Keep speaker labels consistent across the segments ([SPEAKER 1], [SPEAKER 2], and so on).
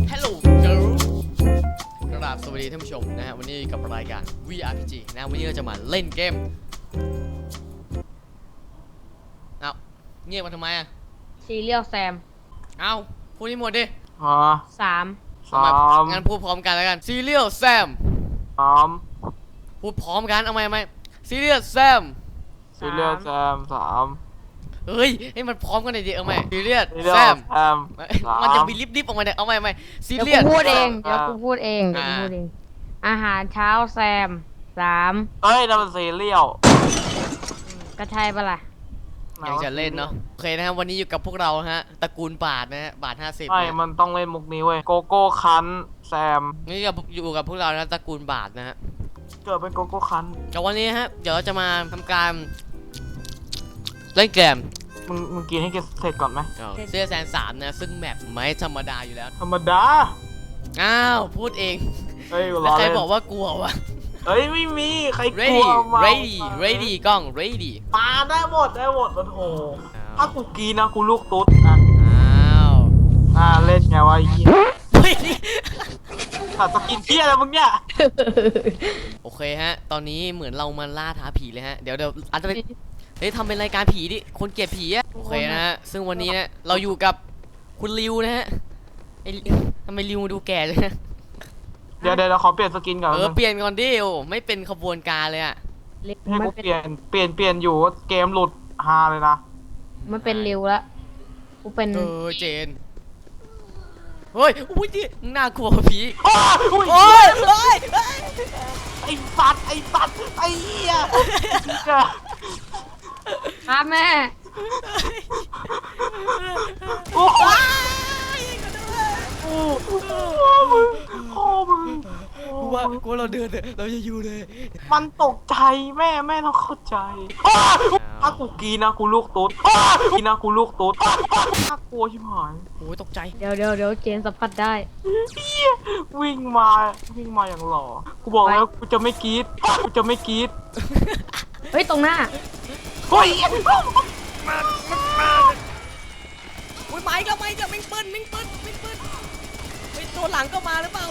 [SPEAKER 1] Hello girl กราบสวัสดีท่านผู้ชมนะฮะวันนี้กับรายการ VRPG นะวันนี้เราจะมาเล่นเกมเอาเงียบมาทำไมอ่ะ
[SPEAKER 2] ซีเรียลแซม
[SPEAKER 1] เอาพูดให้หมดดิ
[SPEAKER 2] สาม
[SPEAKER 1] งั้นพูดพร้อมกันแล้วกัน Serial Sam พูดพร้อมกันเอาไหม Serial Sam เฮ้ยให้มันพร้อมกันหน่อยดิเอาไหม Serial Sam มันจะมีลิบๆออกมาเนี่ยเอาไหม
[SPEAKER 2] เดี๋ยว
[SPEAKER 1] Serial
[SPEAKER 2] กูพูดเองอาหารเช้าแซมสาม
[SPEAKER 3] เอ้ยนั่นมันซีเรียล
[SPEAKER 2] ก็ใช่ปะล่ะ
[SPEAKER 1] ยังจะเล่นเนาะโอเคนะครับวันนี้อยู่กับพวกเราฮะตระกูลบาทนะฮะบาท50
[SPEAKER 3] ใช่มันต้องเล่นมุกนี้เว้ยโกโก้คันแซม
[SPEAKER 1] นี่อยู่กับพวกเรานะตระกูลบาทนะฮะ
[SPEAKER 3] เกิดเป็นโกโก้คัน
[SPEAKER 1] แต่วันนี้ฮะเดี๋ยวจะมาทำการเล่นเกม
[SPEAKER 3] มึงกินให้เสร็จก่อนไหม
[SPEAKER 1] เสื้อแซน3นะซึ่งแมปไม่ธรรมดาอยู่แล้ว
[SPEAKER 3] ธรรมดา
[SPEAKER 1] อ้าวพูดเองแล้วใครบอกว่ากลัววะ
[SPEAKER 3] เฮ้ยไม่มีใครกลัวมา
[SPEAKER 1] ready กล้อง ready
[SPEAKER 3] มาได้หมดโอ้โหถ้ากูกินนะกูลูกตุ๊ดนะ
[SPEAKER 1] อ้าว
[SPEAKER 3] เล่นไงวะยี่ถ้าจะกินเที่ยอะไรมึงเนี่ย
[SPEAKER 1] โอเคฮะตอนนี้เหมือนเรามาล่าท้าผีเลยฮะเดี๋ยวอาจจะเป็นทำเป็นรายการผีดิคนเกลียดผีอะโอเคนะฮะซึ่งวันนี้นะเราอยู่กับคุณริวนะฮะทำไมริวดูแก่เลยนะ
[SPEAKER 3] เดี๋ยวขอเปลี่ยนสกินก่อน
[SPEAKER 1] เปลี่ยนก่อนดิโอไม่เป็นขบวนการเลยอะ
[SPEAKER 3] ให้กูเปลี่ยนอยู่เกมหลุดฮาเลยนะ
[SPEAKER 2] มันเป็นริวละกูเป็น
[SPEAKER 1] เจนเฮ้ยอุ้ยดิน่ากลัวผี
[SPEAKER 3] โอ้ยไอ้สัตว์ไอ้เหี้ย
[SPEAKER 2] ครับแม่
[SPEAKER 3] โอ้มึง
[SPEAKER 1] กูเราเดินเราจะอยู่เลย
[SPEAKER 3] มันตกใจแม่ต้องเข้าใจถ้ากูกีนะกูลูกตุ๊ดกีนะกูลูกตุ๊ดน่ากลัวชิบหาย
[SPEAKER 1] โอ้ยตกใจ
[SPEAKER 2] เดี๋ยวเจนสัมผัสได้
[SPEAKER 3] วิ่งมาอย่างหล่อกูบอกแล้วกูจะไม่กรี๊ด
[SPEAKER 2] เฮ้ยตรงหน้า
[SPEAKER 3] เฮ้ย
[SPEAKER 1] อุ้ยไม้ก็มิ่งปืนไอ้ตัวหลังก็มาหรือเปล่า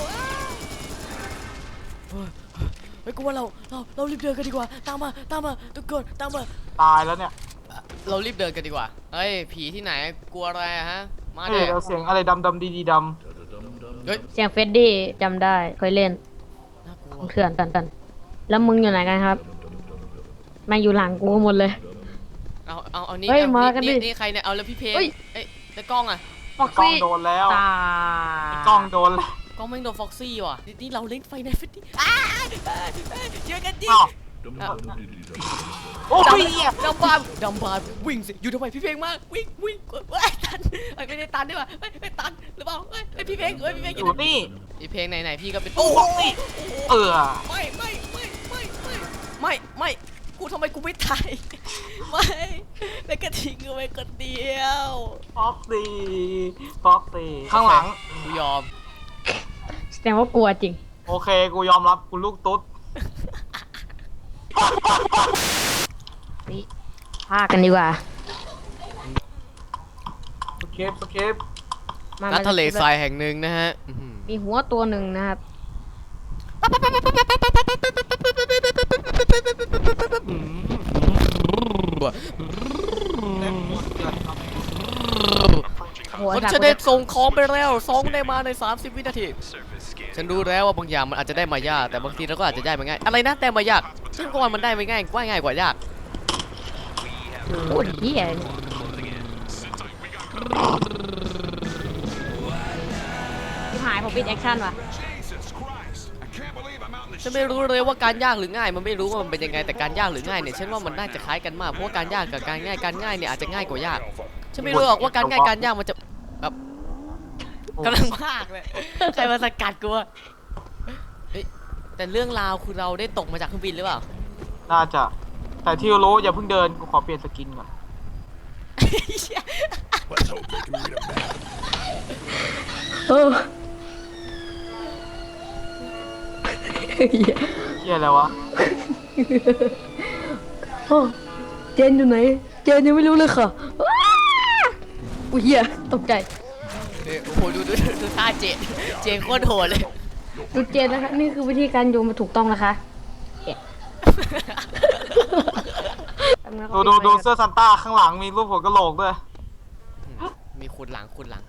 [SPEAKER 1] เฮ้ยกูว่าเรารีบเดินกันดีกว่าตามมาทุกคนตามมา
[SPEAKER 3] ตายแล้วเนี่ย
[SPEAKER 1] เรารีบเดินกันดีกว่าเฮ้ยผีที่ไหนกลัวอะไรฮะมา
[SPEAKER 3] เดี๋ยวเสียงอะไรดำดีด
[SPEAKER 2] เสียงเฟดดี้จำได้เคยเล่นของเถื่อนกันแล้วมึงอยู่ไหนกันครับมาอยู่หลังกูหมดเลย
[SPEAKER 1] เอานี่นี่ใครเนี่ยเอาแล้วพี่เพลงแล้วกล้องอ่ะ
[SPEAKER 3] กล้องโดนแล้วกล้องโดนแล้ว
[SPEAKER 1] กล้องไม่โดนฟ็อกซี่ว่ะนี่เราเล่นไฟในฟิตตี้เจอกันดิ
[SPEAKER 3] โอ้ย
[SPEAKER 1] ดำบานวิ่งสิอยู่ทำไมพี่เพลงมากวิ่งตันไม่ได้ตันได้ป่ะไม่ตันหรือเปล่าพี่เพลง
[SPEAKER 3] อยู่นี่
[SPEAKER 1] พี่เพลงไหนพี่ก็เป็น
[SPEAKER 3] โอ้ย
[SPEAKER 1] ไม่กูทำไมกูไม่ตายไม่แล้วก็ทิ้งกูไปคนเดียว
[SPEAKER 3] ฟ็อกซี่ข้างหลัง
[SPEAKER 1] กูยอม
[SPEAKER 2] แสดงว่ากลัวจริง
[SPEAKER 3] โอเคกูยอมรับกูลูกตุ๊ด
[SPEAKER 2] นี่พากันดีกว่า
[SPEAKER 3] สเคป
[SPEAKER 1] ณทะเลทรายแห่งหนึ่งนะฮะ
[SPEAKER 2] มีหัวตัวหนึ่งนะครับ
[SPEAKER 1] ฉันได้ส่งของไปแล้ว2ได้มาใน30 วินาทีฉันรู้แล้วว่าบางอย่างมันอาจจะได้มายากแต่บางทีเราก็อาจจะได้มาง่ายอะไรนะแต่มายากซึ่งก่อนมันได้ไม่ง่ายกว่ายาก
[SPEAKER 2] โอ้ยเหี้ยที่หายผมปิดแอคชั่นว่ะ
[SPEAKER 1] ฉันไม่รู้เลยว่าการยากหรือง่ายมันไม่รู้ว่ามันเป็นยังไงแต่การยากหรือง่ายเนี่ยฉันว่ามันน่าจะคล้ายกันมากเพราะว่าการยากกับการง่ายเนี่ยอาจจะง่ายกว่ายากฉันไม่รู้หรอกว่าการง่ายมันจะแบบกำลังมากเลยใครมาสกัดกูแต่เรื่องราวคือเราได้ตกมาจากเครื่องบินหรือเปล่า
[SPEAKER 3] น่าจะแต่ที่รู้อย่าเพิ่งเดินกูขอเปลี่ยนสกินก่อนเหี้ยอะไรวะ
[SPEAKER 2] เจนอยู่ไหนเจนยังไม่รู้เลยค่ะอุ้ยเหี้ยตกใจ
[SPEAKER 1] โอ้โหดูท่าเจนโคตรโหดเลย
[SPEAKER 2] ดูเจนนะคะนี่คือวิธีการโยนมาถูกต้องนะคะแกะ
[SPEAKER 3] ดูเสื้อซันต้าข้างหลังมีรูปหัวกะโหลกด้วย
[SPEAKER 1] มีขุดหลัง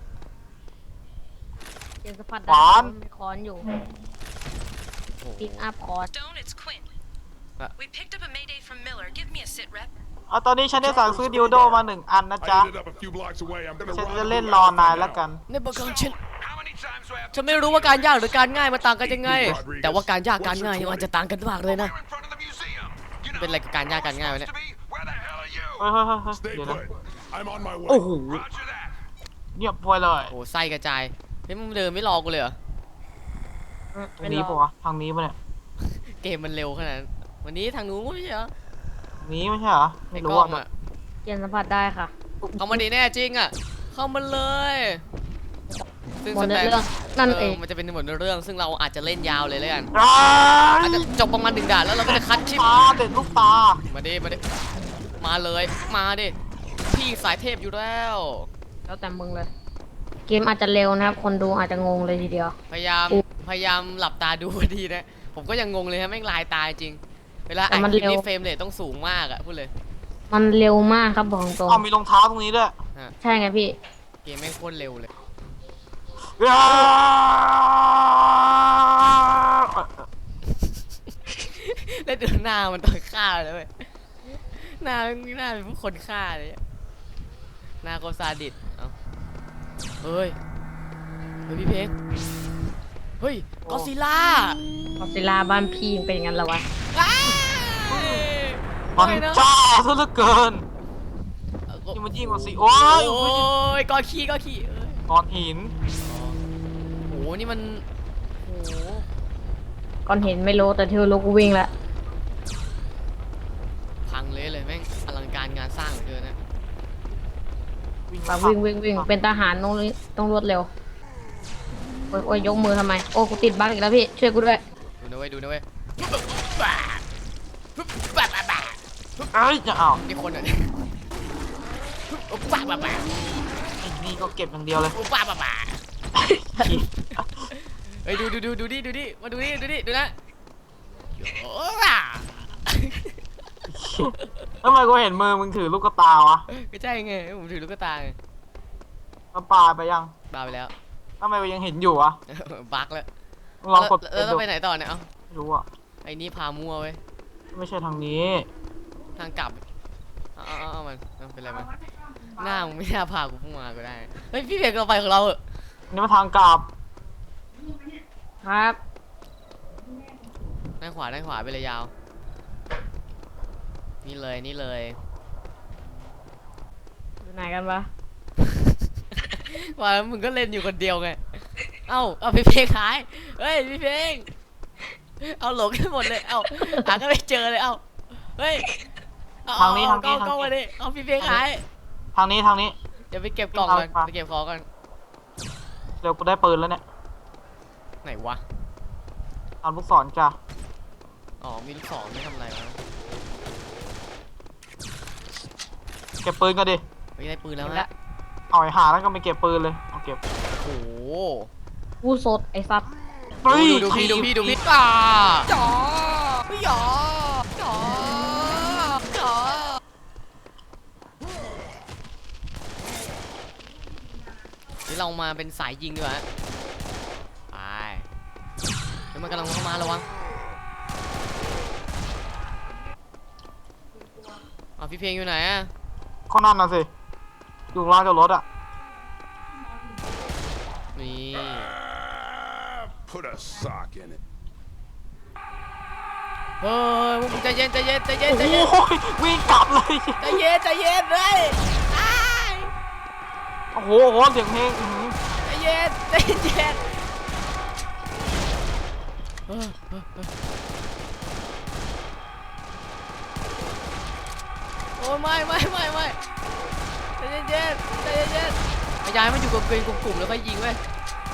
[SPEAKER 2] เจนสะพัด
[SPEAKER 3] หวาน
[SPEAKER 2] มีคอนอยู่
[SPEAKER 1] โอ้โห
[SPEAKER 2] ปิกอัพคอน
[SPEAKER 4] Stone, it's Quinn.
[SPEAKER 1] Uh.
[SPEAKER 4] We picked up a mayday from Miller. Give me a sit rep.
[SPEAKER 3] ตอนนี้ฉันได้สั่งซื้อดิวโดมา1 อันนะจ๊ะ
[SPEAKER 5] I ended up a few blocks away. I'm gonna
[SPEAKER 3] ฉัน
[SPEAKER 5] run
[SPEAKER 3] จะ
[SPEAKER 5] the
[SPEAKER 3] เล่น
[SPEAKER 5] route
[SPEAKER 3] รอ
[SPEAKER 5] right
[SPEAKER 3] นาย
[SPEAKER 5] now.
[SPEAKER 3] แล้วกัน
[SPEAKER 1] ในบางครั้งฉัน
[SPEAKER 5] How many times do I have
[SPEAKER 1] ฉันไม่รู้ว่าการยากหรือการง่ายมันต่างกันยังไง แต่ว่าการยากการง่ายมันจะต่างกันมากเลยนะ
[SPEAKER 5] We're in front of the museum. You know
[SPEAKER 1] เป็นอะไรกับการยากการง่ายวะเนี่ย
[SPEAKER 5] supposed to be? Where the hell are you?
[SPEAKER 3] เฮ้ย
[SPEAKER 5] Stay
[SPEAKER 3] เดี๋ยวนะ
[SPEAKER 5] put. I'm on my way.
[SPEAKER 3] โอ้โห
[SPEAKER 5] Roger that.
[SPEAKER 3] เงียบไปเลย
[SPEAKER 1] โอ้ไส้กระจายเฮ้ยมึงเดินไม่รอกูเลยเหรอ
[SPEAKER 3] ทางนี้ปะวะทางนี้ปะเนี่ย
[SPEAKER 1] เกมมันเร็วขนาดนั้นวันนี้ทางนู้นไม่ใช่เหรอ
[SPEAKER 3] ทางนี้ไม่ใช่เหรอ
[SPEAKER 1] ไอ้
[SPEAKER 3] ไม่
[SPEAKER 1] ก
[SPEAKER 3] รู้
[SPEAKER 1] ล้อง
[SPEAKER 3] อ่ะ
[SPEAKER 1] อะ
[SPEAKER 2] เจนสัมผัสได้ค่ะ
[SPEAKER 1] เข้ามาดีแน่จริงอะเข้ามาเลยซึ่ง
[SPEAKER 2] หมด
[SPEAKER 1] สแต
[SPEAKER 2] เรื่องนั่นเอง
[SPEAKER 1] มันจะเป็นหมดเรื่องซึ่งเราอาจจะเล่นยาวเลยแล้วกัน
[SPEAKER 3] อ้า
[SPEAKER 1] อาจ
[SPEAKER 3] ย
[SPEAKER 1] จะจบประมาณ1 ด่านแล้วเราก็จะคัดคลิป
[SPEAKER 3] ตาเด็ดลูกตา
[SPEAKER 1] มาดิมาเลยมาดิพี่สายเทพอยู่แล้ว
[SPEAKER 2] แล้วแต่มึงเลย เกมอาจจะเร็วนะครับ คนดูอาจจะงงเลยทีเดียว
[SPEAKER 1] พยายามหลับตาดูดีนะผมก็ยังงงเลยฮะแม่งลายตาจริง เวลา
[SPEAKER 2] แต่
[SPEAKER 1] อ่าน
[SPEAKER 2] มัน
[SPEAKER 1] คลิป
[SPEAKER 2] เร็ว
[SPEAKER 1] นี้เฟรมเรทต้องสูงมากอะพูดเลย
[SPEAKER 2] มันเร็วมากครับบอกตรง
[SPEAKER 3] เอามีรองเท้าตรงนี้ด้วย
[SPEAKER 2] ใช่ไงพี่
[SPEAKER 1] เกมแม่งโคตรเร็วเลย
[SPEAKER 3] อ้าว
[SPEAKER 1] แล้วดูหน้ามันตอนฆ่าเลยเว้ยหน้าเป็นผู้คนฆ่าเลยอะหน้าโคตรซาดิสเอาเฮ้ยพี่เพกเฮ้ยกอซิล่า
[SPEAKER 2] กอซิลล่าบ้านพี่ยังเป็นอย่างนั้นเหรอวะ
[SPEAKER 3] มัน
[SPEAKER 1] ไม่นะ
[SPEAKER 3] จ้าซะเหลือเกินนี่มันยิ่งกว่าสิโอ้ย
[SPEAKER 1] โอ้ยกอขี้เอ้ย
[SPEAKER 3] ก้อนหิน
[SPEAKER 1] โอ้โหนี่มันโอ้โห
[SPEAKER 2] ก่อนเห็นไม่รู้แต่ที่รู้กูวิ่งละ
[SPEAKER 1] พังเลยแม่งอลังการงานสร้างเหลือเกินนะ
[SPEAKER 2] ปาวิ่งเป็นทหารต้องรวดเร็วโอ้ยยกมือทำไมโอ้กูติดบั๊กอีกแล้วพี่ช่วยกูด้วย
[SPEAKER 1] ดูนะเว้ย
[SPEAKER 3] เอ้ยจะเอา
[SPEAKER 1] นี่คนอ่ะเนี่ยบ้า
[SPEAKER 3] ไอ้นี่ก็เก็บอย่างเดียวเลย
[SPEAKER 1] เฮ้ยดูดิมาดูดิดูนะโอ้
[SPEAKER 3] ทำไมกูเห็นมือมึงถือลูกตาวะ
[SPEAKER 1] ก็ใช่ไงผมถือลูกตาไง
[SPEAKER 3] มันปลาไปยัง
[SPEAKER 1] บ้าไปแล้ว
[SPEAKER 3] ทำไมยังเห็นอยู่อะ
[SPEAKER 1] บั๊กแล้ว
[SPEAKER 3] ลองกด
[SPEAKER 1] แล้วเราไปไหนต่อเนี่ยเอ้า
[SPEAKER 3] ไม่รู้อะ
[SPEAKER 1] ไอ้นี่พามัวเว้ย
[SPEAKER 3] ไม่ใช่ทางนี้
[SPEAKER 1] ทางกลับเอามันเป็นไรมันหน้ามึงไม่น่าพากูพุ่งมาก็ได้เฮ้ยพี่เบกเราไปของเราเหอะ
[SPEAKER 3] นี่มาทางกลับ
[SPEAKER 2] ครับ
[SPEAKER 1] ด้านขวาไปเลยยาวนี่เลย
[SPEAKER 2] อยู่ไหนกันวะ
[SPEAKER 1] ว่ามึงก็เล่นอยู่คนเดียวไงเอาพี่เพลงหายเฮ้ยพี่เพลงเอาหลงกันหมดเลยหาก็ไม่เจอเลยเฮ้ยก็มาดิเอาพี่เพลงหาย
[SPEAKER 3] ทางนี้
[SPEAKER 1] เดี๋ยวไปเก็บกล่องก่อนไปเก็บของก่อน
[SPEAKER 3] เร็วกูได้ปืนแล้วเนี่ย
[SPEAKER 1] ไหนวะ
[SPEAKER 3] ตามลูกศรจ้ะ
[SPEAKER 1] อ๋อมีลูกศรไม่ทำอะไรวะ
[SPEAKER 3] เก็บปืนกันดิ
[SPEAKER 1] ไม่ได้ปืนแล้วฮะ
[SPEAKER 3] เอาไอ้หาแล้วก็ไม่เก็บปืนเลยเอาเก็บ
[SPEAKER 1] โอ้โห
[SPEAKER 2] กูสดไอ้ซับ
[SPEAKER 3] เฮ้ย
[SPEAKER 1] ดูพี่จ๋อจ๋อนี่เรามาเป็นสายยิงดีกว่าไปเดี๋ยวมันกำลังเข้ามาระวังพี่เพลงอยู่ไหนอะ
[SPEAKER 3] ก็นั่นน่ะสิอยู่ข้างล่างจอดรถอะ
[SPEAKER 1] นี่
[SPEAKER 5] Put a sock in it.
[SPEAKER 1] เฮ้ยมึงใจเย็น
[SPEAKER 3] โอ้ยวิ่งกลับเลย
[SPEAKER 1] ใจเย็นเลยอ้าย
[SPEAKER 3] โอ้โหเสียงเพลงอื้อหือ
[SPEAKER 1] ใจเย็นโอ้ไม่ใจเย็นพยายามไม่อยู่กับกลุ่มแล้วก็ยิงเว้ย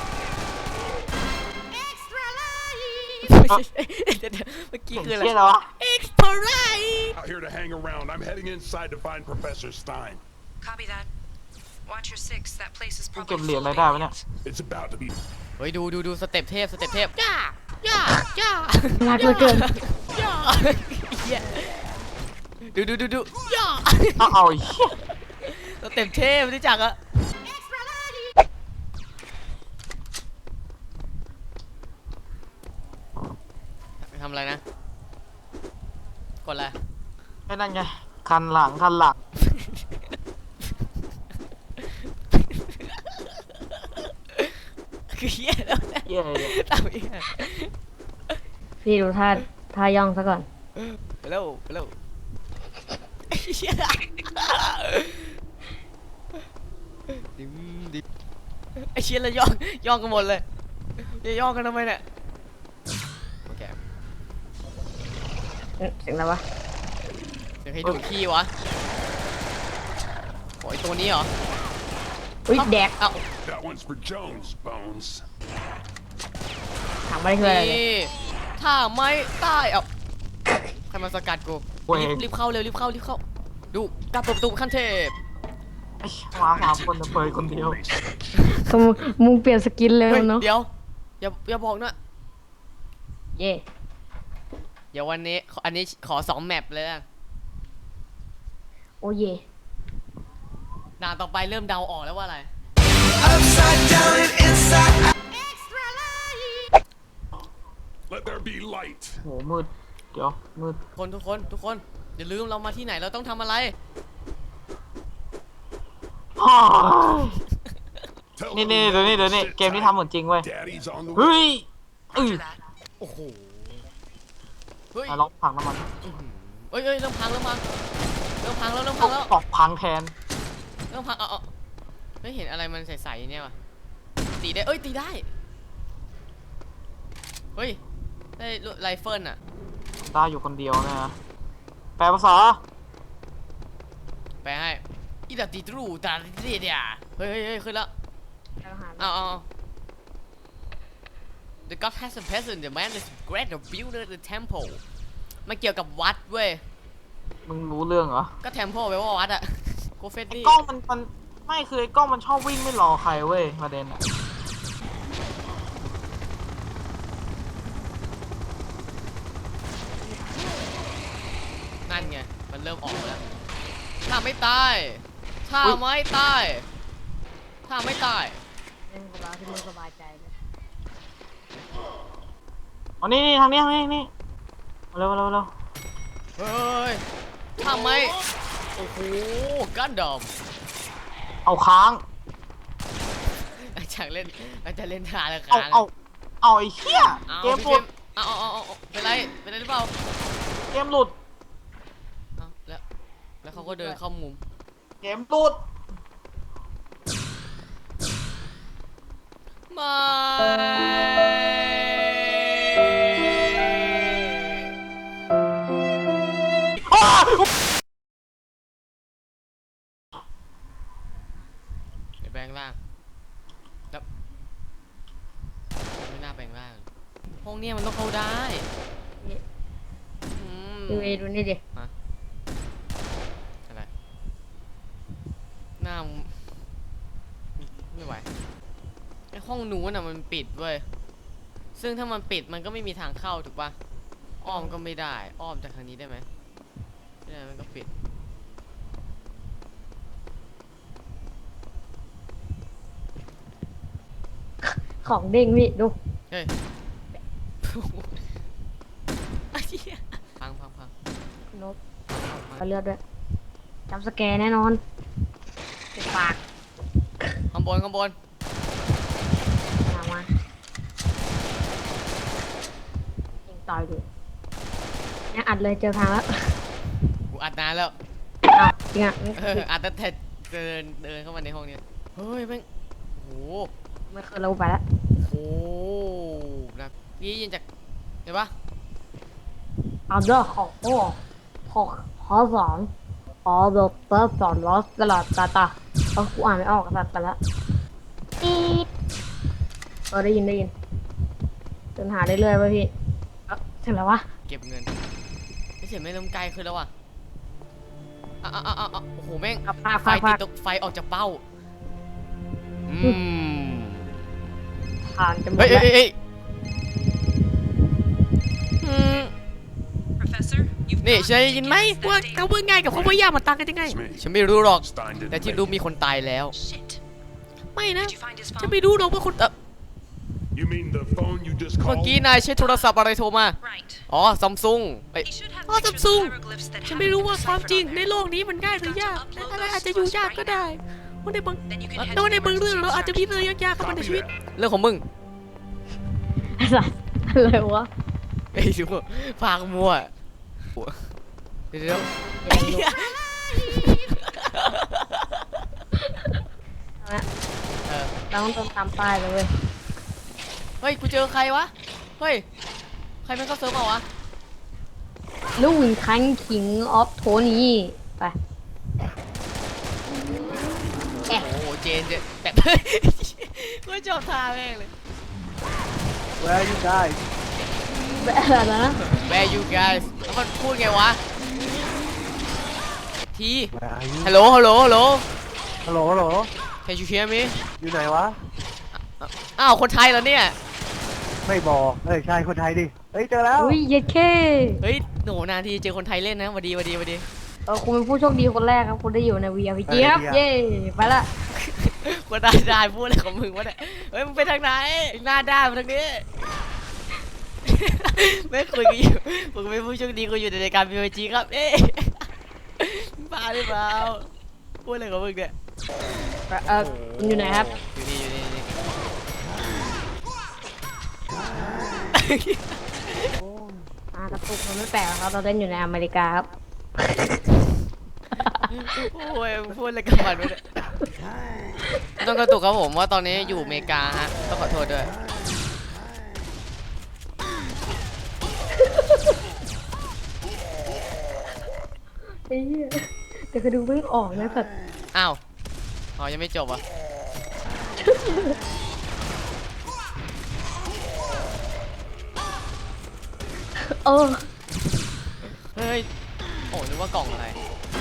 [SPEAKER 1] เดี๋ยวเมื่อกี้คืออะไร
[SPEAKER 3] เชี่ยแล้ววะ
[SPEAKER 1] Extra life
[SPEAKER 5] Out here to hang around. I'm heading inside to find Professor Stein.
[SPEAKER 4] Copy that. Watch your six. That place is
[SPEAKER 3] กู
[SPEAKER 4] probably
[SPEAKER 3] เก็บเหรียญ
[SPEAKER 4] full
[SPEAKER 3] อะไร
[SPEAKER 4] of
[SPEAKER 3] ได้วะเนี่ย
[SPEAKER 4] aliens.
[SPEAKER 5] It's about to be.
[SPEAKER 1] เฮ้ยดูสเต็ปเทพย่าย่าย่า
[SPEAKER 2] รักเหลือเกิน
[SPEAKER 1] ย่าเหี้ยดูย่า
[SPEAKER 3] เอาไอ้เหี้ย
[SPEAKER 1] สเต็ปเทพรู้จักอะทำอะไรนะกดอะไร
[SPEAKER 3] ไอ้นั่นไงคันหลัง
[SPEAKER 1] คือเหี้ยแล้วเนี่ย
[SPEAKER 3] เหี้ยอะไรเนี่ย
[SPEAKER 1] ทำเหี้ย
[SPEAKER 2] พี่ดูท่าย่องซะก่อน
[SPEAKER 1] ไปเร็วเหี้ยดิมไอ้เชี่ยแล้วย่องกันหมดเลยจะย่องกันทำไมเนี่ยโอเค
[SPEAKER 2] เสียงอะไรวะ
[SPEAKER 1] เดี๋ยวให้ดูดขี้วะโอ้ยตัวนี้เหรอ
[SPEAKER 2] อุ้ยแดก
[SPEAKER 1] เอ้า
[SPEAKER 5] That one's for Jones, Bones.
[SPEAKER 2] ถามไม่ได้คืออะไรเลย
[SPEAKER 1] นี่ถ้าไม่ตายเอ้าใครมาสกัดกู
[SPEAKER 3] เว้ย
[SPEAKER 1] รีบเข้าเร็วรีบเข้าดูกลับเปิดประตูขั้นเทพ
[SPEAKER 3] ไอ้มา3 คนแต่เปิดคนเดียว
[SPEAKER 2] ก็มึงเปลี่ยนสกินเลย
[SPEAKER 1] เฮ้ย
[SPEAKER 2] เนาะ
[SPEAKER 1] เดี๋ยวอย่าบอกนะ
[SPEAKER 2] เย่
[SPEAKER 1] เดี๋ยววันนี้อันนี้ขอ2แมปเลยนะ
[SPEAKER 2] โอ้เย่
[SPEAKER 1] ด่านต่อไปเริ่มเดาออกแล้วว่าอะไร
[SPEAKER 5] Let there be light.
[SPEAKER 3] โหมืดเดี๋ยวมืด
[SPEAKER 1] ทุกคนอย่าลืมเรามาที่ไหนเราต้องทำอะไร
[SPEAKER 3] อ้าว
[SPEAKER 5] Tell
[SPEAKER 3] นี่
[SPEAKER 5] them
[SPEAKER 3] นี่เดี๋ยวนี่
[SPEAKER 5] shit
[SPEAKER 3] เกมนี้ทำเหมือนจริงเว้ย
[SPEAKER 5] Daddy's on the
[SPEAKER 3] เฮ้
[SPEAKER 5] way.
[SPEAKER 3] ยอื้อ
[SPEAKER 4] After that,
[SPEAKER 1] โอ้โหเฮ้ย
[SPEAKER 3] ไหนลองพังน้ำมัน
[SPEAKER 1] เอ้ยเริ่มพังแล้ว
[SPEAKER 3] ตอกพังแทน
[SPEAKER 1] เริ่มพังเอาไม่เห็นอะไรมันใสๆเนี่ยวะตีได้ตีได้เฮ้ยได้ไรเฟิลอะ
[SPEAKER 3] ได้อยู่คนเดียวนะแปลภาษา
[SPEAKER 1] ไปให้อีดาติดรูตาเดียเฮ้ยขึ้นแล้วเอา The God has a peasant the man is great the builder the temple มันเกี่ยวกับวัดเว้ย
[SPEAKER 3] มึงรู้เรื่องเหรอ
[SPEAKER 1] ก็ temple แปลว่าวัดอะโกเฟส
[SPEAKER 3] ไอ้
[SPEAKER 1] ลี่
[SPEAKER 3] กล้องมันไม่คือไอ้กล้องมันชอบวิ่งไม่รอใครเว้ยประเด็นอะ
[SPEAKER 1] นั่นไงมันเริ่มออกมาแล้วถ้าไม่ตายถ้าไม่ตาย
[SPEAKER 2] เล่นกับเราที่มึงสบายใจเลย
[SPEAKER 3] อ๋อนี่ทางนี้นี่มาเร็ว
[SPEAKER 1] เฮ้ยถ้าไม่โอ้โหกันดอม
[SPEAKER 3] เอาค้าง
[SPEAKER 1] อาจารย์เล่นทาละค
[SPEAKER 3] เอา
[SPEAKER 1] รั้ง
[SPEAKER 3] เอาไอ้เหี้ยเกมหลุด
[SPEAKER 1] เอาเป็นไรหรือเปล่า
[SPEAKER 3] เกมหลุด
[SPEAKER 1] เอาแล้วเขาก็เดินเข้ามุม
[SPEAKER 3] เกมหลุด
[SPEAKER 1] ไม่
[SPEAKER 3] อ้าว
[SPEAKER 1] เดี๋ยวแปลงร่างแล้วไม่น่าแปลงร่างห้องเนี้ยมันต้องเข้าได้อืม
[SPEAKER 2] ดูนี่ดิ
[SPEAKER 1] อะไรหน้าไม่ไหวไอห้องนู้นอ่ะมันปิดเว้ยซึ่งถ้ามันปิดมันก็ไม่มีทางเข้าถูกปะอ้อมก็ไม่ได้อ้อมจากทางนี้ได้ไหมไม่ได้มันก็ปิด
[SPEAKER 2] ของเด้งพี่ดู
[SPEAKER 1] เฮ้ย ไอ้เหี้ยพัง
[SPEAKER 2] นกเอาเลือดด้วยจำสแกร์แน่นอนติดปาก
[SPEAKER 1] ข้างบน
[SPEAKER 2] ถามมายิงต่อยดูเนี่ยอัดเลยเจอทางแล้ว
[SPEAKER 1] กูอัดนานแล้ว
[SPEAKER 2] อ้าวจริงอ่ะ
[SPEAKER 1] อัดตั้งแต่เดินเข้ามาในห้องเนี้ยเฮ้ยแม่งโอ้โห
[SPEAKER 2] ไม่เคยเราไปแล้ว
[SPEAKER 1] โอ้โหนะนี่ยินจากเห็นปะ
[SPEAKER 2] เอาเด้อขอสอนดอกเตอร์สอนลอสตลอดตาเพราะกูอ่านไม่ออกสัตว์ไปแล้วอีดได้ยินจนหาได้เรื่อยๆพี่ถึงแล้ววะ
[SPEAKER 1] เก็บเงินไม่เสียไม่เริ่มไกลขึ้นแล้วว่ะโอ้โหแม่ง
[SPEAKER 2] ภาค
[SPEAKER 1] ไฟติดตกไฟออกจากเป้าอืม
[SPEAKER 2] ผ่านจะหมด
[SPEAKER 1] เฮ้ย
[SPEAKER 2] แล้ว
[SPEAKER 1] เฮ้ยอืม
[SPEAKER 4] Professor, you've
[SPEAKER 1] นี่
[SPEAKER 4] got
[SPEAKER 1] ฉัน
[SPEAKER 4] to
[SPEAKER 1] ได้ยินไหม
[SPEAKER 4] give us
[SPEAKER 1] ว่า
[SPEAKER 4] that
[SPEAKER 1] เขา
[SPEAKER 4] data.
[SPEAKER 1] ว่าง่ายกับเขาว่ายากมันต่างกันยังไง ฉันไม่รู้หรอก
[SPEAKER 5] Stein didn't
[SPEAKER 1] แต่ที่
[SPEAKER 5] make
[SPEAKER 1] รู้
[SPEAKER 5] it.
[SPEAKER 1] มีคนตายแล้ว
[SPEAKER 4] Shit.
[SPEAKER 1] ไม่นะ
[SPEAKER 4] Did you find his
[SPEAKER 1] ฉัน
[SPEAKER 4] phone?
[SPEAKER 1] ไม่รู้หรอกว่าคน
[SPEAKER 5] You mean the phone you just
[SPEAKER 1] เมื่อ
[SPEAKER 5] called?
[SPEAKER 1] กี้นายใช้โทรศัพท์อะไรโทรมา
[SPEAKER 4] Right.
[SPEAKER 1] อ๋อซัมซุง
[SPEAKER 4] He should have
[SPEAKER 1] อ๋อซัม
[SPEAKER 4] pictures
[SPEAKER 1] ซุง
[SPEAKER 4] of hieroglyphs that
[SPEAKER 1] ฉัน
[SPEAKER 4] haven't
[SPEAKER 1] ไม่รู้
[SPEAKER 4] been
[SPEAKER 1] ว่าความ
[SPEAKER 4] deciphered
[SPEAKER 1] จริง
[SPEAKER 4] on
[SPEAKER 1] ใน
[SPEAKER 4] there.
[SPEAKER 1] โลกนี้มันง่ายหรือยากแต่อะไรอาจจะอยู่ยากก็ได้ว่าในบาง
[SPEAKER 4] Then you can
[SPEAKER 1] แล้ว
[SPEAKER 4] head
[SPEAKER 1] ใน
[SPEAKER 4] to the
[SPEAKER 1] บางเรื่อง
[SPEAKER 4] emergency
[SPEAKER 1] เราอาจจะมี
[SPEAKER 4] extraction
[SPEAKER 1] เรื่องยากๆเข้ามาใน
[SPEAKER 5] Copy
[SPEAKER 1] ชีวิต
[SPEAKER 5] that.
[SPEAKER 1] เรื่องของมึง
[SPEAKER 2] อะไรวะ
[SPEAKER 1] ไอ้ชิวฟางมัวเดี๋ยว
[SPEAKER 2] เราต้องตามป้ายเลยเว้ย
[SPEAKER 1] เฮ้ย กูเจอใครวะ เฮ้ย ใครมันเข้าเซิร์ฟเปล่าวะ
[SPEAKER 2] ลูกวินคันคิงออฟโทนี่ไป
[SPEAKER 1] โอ้โห เจนแบบ กูชอบท่าแม่งเลย
[SPEAKER 3] Where are you guys
[SPEAKER 2] แบบอะไรนะ
[SPEAKER 1] Where you guys แล้วมันพูดไงวะ ที
[SPEAKER 3] Where are you
[SPEAKER 1] ฮัลโหล ฮัลโหล ฮัลโหล
[SPEAKER 3] ฮัลโหลฮัลโหล
[SPEAKER 1] Can you hear me
[SPEAKER 3] อยู่ไหนวะ
[SPEAKER 1] อ้าว คนไทยเหรอเนี่ย
[SPEAKER 3] ไม่บอกใช่คนไทยดิ เฮ้ยเจอแล้ว
[SPEAKER 2] อุ้ยเย็ดเค
[SPEAKER 1] เฮ้ยโหนานทีเจอคนไทยเล่นนะหวัดดีหวัดดีหวัดดี
[SPEAKER 2] คุณเป็นผู้โชคดีคนแรกครับคุณได้อยู่ใน VRPG ครับ เย้ไปละ
[SPEAKER 1] กูได้พูดอะไรของมึงวะเนี่ย เฮ้ย มึงไปทางไหน หน้าด้านมาทางนี้ ไม่คุยกันอยู่มึงเป็นผู้โชคดีกูอยู่ในรายการ PUBG ครับ เอ๊ะบ้าหรือเปล่า พูดอะไรของมึงเนี่ย
[SPEAKER 2] คุณอยู่ไหนครับ
[SPEAKER 1] อยู่นี่อยู่นี่อยู่นี่
[SPEAKER 2] กระตุกมันไม่แปลกหรอกครับเราเล่นอยู่ในอเมริกาครับ
[SPEAKER 1] โอ้ยมึงพูดอะไรกับมันวะเนี่ยต้องกระตุกครับผมว่าตอนนี้อยู่อเมริกาฮะ ต้องขอโทษด้วย
[SPEAKER 2] ไอ้เหี้ยแต่กระดูกเพิ่งออกนะสัตว์
[SPEAKER 1] อ้าวอ๋อยังไม่จบอ่ะ
[SPEAKER 2] เออ
[SPEAKER 1] เฮ้ย โอ้นึกว่ากล่องอะไร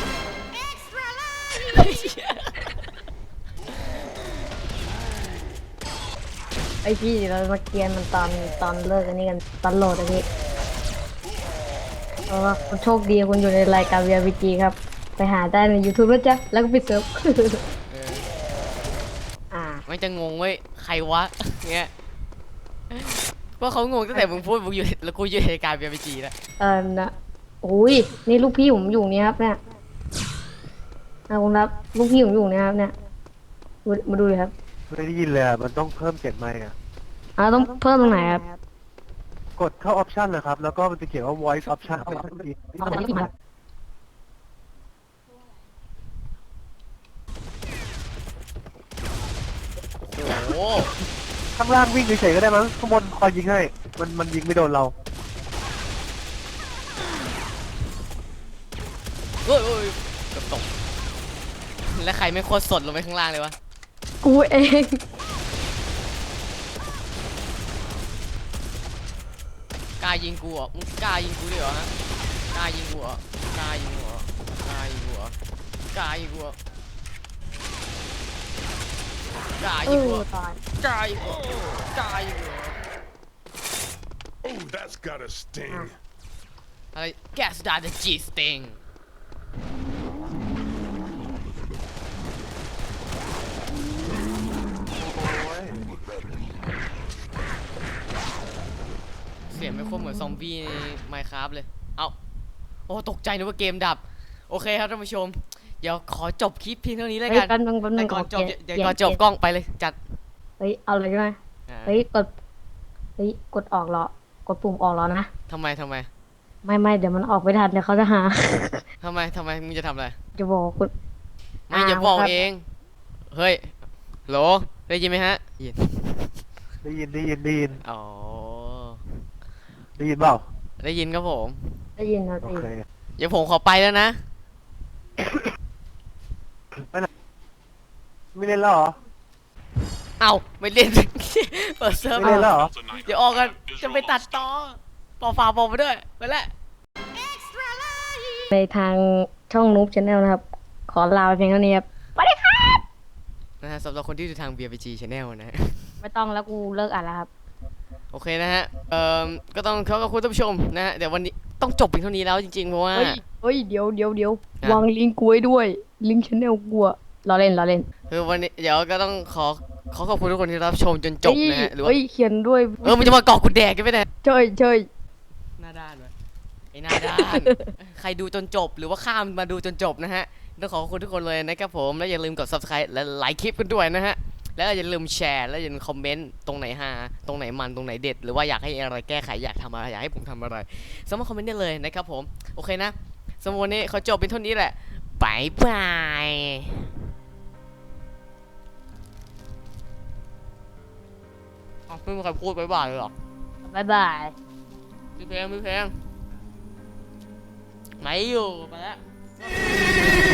[SPEAKER 2] ไอพี่เรามาเกียนมันตอนเลิกอันนี้กันตอนโหลดอันนี้เพราะว่าคุณโชคดีคุณอยู่ในรายการ VRPG ครับ ไปหาได้ใน YouTube นะจ๊ะแล้วก็ปิดเซิร์ฟ
[SPEAKER 1] เออ
[SPEAKER 2] อ่า
[SPEAKER 1] มันจะงงเว้ย ใครวะ เงี้ยว่าเขางงตั้งแต่มึงพูดมึงอยู่แล้วกูอยู่ในการเบียร์ไปจีแล้ว
[SPEAKER 2] นะอุ้ยนี่ลูกพี่ผมอยู่นี่ครับเนี่ยคุณรับลูกพี่ผมอยู่นี่ครับเนี่ยมาดูเลยครับ
[SPEAKER 3] ไม่ได้ยินเลยอะมันต้องเพิ่มเสียงไมค์อะ
[SPEAKER 2] ต้องเพิ่มตรงไหนครับ
[SPEAKER 3] กดเข้าออปชันนะครับ แล้วก็มันจะเขียนว่า voice option
[SPEAKER 1] โอ้โห
[SPEAKER 3] ข้างล่างวิ่งเฉยๆก็ได้มั้งข้างบนคอยยิงให้ มันยิงไม่โดนเรา
[SPEAKER 1] เฮ้ยเฮ้ยเกือบตก แล้วใครไม่โคตรสดลงไปข้างล่างเลยวะ
[SPEAKER 2] กูเอง
[SPEAKER 1] กล้ายิงกูเหรอมึงกล้ายิงกูด้วยเหรอฮะ กล้ายิงกูเหรอกล้ายิงกูเหรอกล้ายิงกูเหรอกล้ายิงกูเหรอกล้ายิงกูเหรอ
[SPEAKER 2] ตาย
[SPEAKER 1] กล้ายิงกูเหรอกล้ายิงกูเหรอ
[SPEAKER 5] Oh, that's gotta sting.
[SPEAKER 1] อะไร Gas that the G sting เสียงไม่ค่อยเหมือนซอมบี้ใน Minecraft เลย เอาโอ้ตกใจนึกว่าเกมดับ โอเคครับท่านผู้ชม เดี๋ยวขอจบคลิปเพียงเท่านี้แล้วกัน
[SPEAKER 2] แป๊บนึง
[SPEAKER 1] แต่ก่อนจบ
[SPEAKER 2] ขอเปลี่ยน
[SPEAKER 1] เดี๋ยวก่อนจบกล้องไปเลยจัด
[SPEAKER 2] เฮ้ยเอาเลยใช่ไหม
[SPEAKER 1] อ่า
[SPEAKER 2] เฮ้ยกดออกเหรอกดปุ่มออกแล้วนะ
[SPEAKER 1] ทำไม
[SPEAKER 2] ไม่เดี๋ยวมันออกไม่ทันเดี๋ยวเขาจะหา
[SPEAKER 1] ทำไมมึงจะทำอะไร
[SPEAKER 2] จะบอกคุณ
[SPEAKER 1] ไม่อย่าบอก
[SPEAKER 2] ครับ
[SPEAKER 1] เอง เฮ้ยโหลได้ยินไหมฮะยิน
[SPEAKER 3] ได้ยิน
[SPEAKER 1] อ๋อ
[SPEAKER 3] ได้ยินเปล่า
[SPEAKER 1] ได้ยินครับผม
[SPEAKER 2] ได้ยินนะ
[SPEAKER 3] โอ
[SPEAKER 2] สิ
[SPEAKER 3] เค
[SPEAKER 1] เดี๋ยวผมขอไปแล้วนะ
[SPEAKER 3] ไม่เล่นแล้วเหรอ
[SPEAKER 1] เอ้าไม่เล่น เปิดเซิร์ฟ
[SPEAKER 3] ไม่เล่นแล้วเหรอ
[SPEAKER 1] เดี๋ยวออกกันจะไปตัดต่อปอฝาปอไปด้วยไปแล้ว
[SPEAKER 2] ในทางช่องนูบชาแนลนะครับ ขอลาไปเพียงเท่านี้ครับสวัสดีครับ
[SPEAKER 1] นะฮะสำหรับคนที่ดูทาง BRPG Channel นะฮะ
[SPEAKER 2] ไม่ต้องแล้วกูเลิกอ่านแล้วครับ
[SPEAKER 1] โอเคนะฮะก็ต้องขอบคุณท่านผู้ชมนะฮะเดี๋ยววันนี้ต้องจบเพียงเท่านี้แล้วจริงๆเพราะว่า
[SPEAKER 2] เฮ้ยเดี๋ยว
[SPEAKER 1] อ่ะ
[SPEAKER 2] วางลิงก์กูไว้ด้วยลิงก์ชแนลกูอะล้อเล่น
[SPEAKER 1] คือวันนี้เดี๋ยวก็ต้องขอขอบคุณทุกคนที่รับชมจนจบนะฮะหรือว่า
[SPEAKER 2] เฮ้ยเขียนด้วย
[SPEAKER 1] มันจะมาเกาะกูแดกกันไปไหน
[SPEAKER 2] เชย
[SPEAKER 1] หน้าด้านวะไอ้หน้าด้าน ใครดูจนจบหรือว่าข้ามมาดูจนจบนะฮะต้องขอบคุณทุกคนเลยนะครับผมและอย่าลืมกด subscribe และไลค์คลิปกันด้วยนะฮะแล้วอย่าลืมแชร์และอย่าลืมคอมเมนต์ตรงไหนฮาตรงไหนมันตรงไหนเด็ดหรือว่าอยากให้อะไรแก้ไขอยากทำอะไรอยากให้ผมทำอะไรสามารถคอมเมนต์ได้เลยนะครับผมโอเคนะสำหรับวันนี้ขอจบเป็นเท่านี้แหละบายบายอ๋อไม่มีใครพูดบายบายเลยเหรอ
[SPEAKER 2] บ๊ายบาย
[SPEAKER 1] มีเพลงไม่อยู่ไปแล้ว